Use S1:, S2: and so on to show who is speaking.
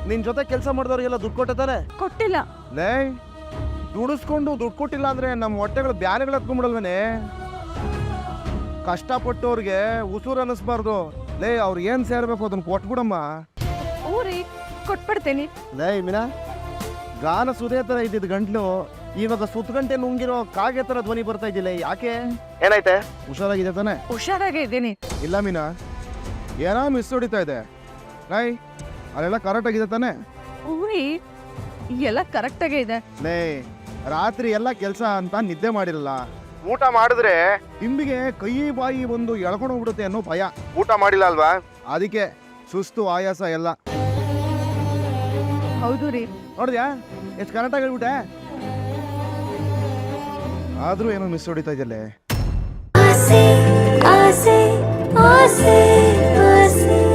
S1: ನಿನ್ ಜೊತೆ ಕೆಲಸ ಮಾಡಿದವ್ರಿಗೆಲ್ಲ ದುಡ್ಡು ಕೊಟ್ಟಿದ್ದಾರೆ?
S2: ಕೊಟ್ಟಿಲ್ಲ.
S1: ಲೇ, ದುಡಿಸ್ಕೊಂಡು ದುಡ್ಡು ಕೊಟ್ಟಿಲ್ಲ ಅಂದ್ರೆ ನಮ್ಮ ಹೊಟ್ಟೆಗಳು ಬ್ಯಾನೆಗಳು ಹತ್ಕೊಂಡ್ಬಿಡಲ್ವೇನೆ? ಕಷ್ಟಪಟ್ಟವ್ರಿಗೆ ಉಸುರು ಅನ್ನಿಸ್ಬಾರ್ದು. ಲೇ, ಅವ್ರು ಏನ್ ಸೇರ್ಬೇಕು ಅದನ್ನ ಕೊಟ್ಬಿಡಮ್ಮ.
S2: ಊರಿ ಕೊಟ್ಬಿಡ್ತೀನಿ.
S1: ಲೇ ಮೀನಾ, ಗಾನ ಸುದೇ ತರ ಇದ್ದಿದ್ ಗಂಟ್ಲು ಇವಾಗ ಸುತ್ತಗಂಟೆ ನುಂಗಿರೋ ಕಾಗೆ ತರ ಧ್ವನಿ ಬರ್ತಾ ಇದ್ದಿಲ್ಲ, ಯಾಕೆ? ಏನಾಯ್ತೆ? ಹುಷಾರಾಗಿದೆ ತಾನೆ?
S2: ಹುಷಾರಾಗೇ ಇದ್ದೀನಿ.
S1: ಇಲ್ಲ ಮೀನಾ, ಏನೋ ಮಿಸ್ ಹೊಡಿತಾ ಇದೆ. ಲೈ, ಅಲ್ಲೆಲ್ಲ ಕರೆಕ್ಟ್ ಆಗಿದೆ ತಾನೆ?
S2: ಊರಿ ಎಲ್ಲ ಕರೆಕ್ಟಾಗೇ ಇದೆ.
S1: ಲೇ, ರಾತ್ರಿ ಎಲ್ಲ ಕೆಲಸ ಅಂತ ನಿದ್ದೆ ಮಾಡಿರಲ್ಲ. ಊಟ ಮಾಡಿದ್ರೆ ಹಿಂಬಿಗೆ ಕೈ ಬಾಯಿ ಒಂದು ಎಳ್ಕೊಂಡು ಹೋಗ್ಬಿಡುತ್ತೆ ಅನ್ನೋ ಭಯ. ಊಟ ಮಾಡಿಲ್ಲ ಅಲ್ವಾ, ಅದಕ್ಕೆ ಸುಸ್ತು ಆಯಾಸ ಎಲ್ಲ.
S2: ಹೌದು ರೀ.
S1: ನೋಡಿದ್ಯಾ ಎಷ್ಟು ಕರೆಕ್ಟಾಗಿ ಹೇಳ್ಬಿಟ್ಟೆ? ಆದ್ರೂ ಏನೋ ಮಿಸ್ ಹೊಡಿತಾ ಇದೆಯಲ್ಲೇ.
S3: ಆಸೆ ಆಸೆ ಆಸೆ ಆಸೆ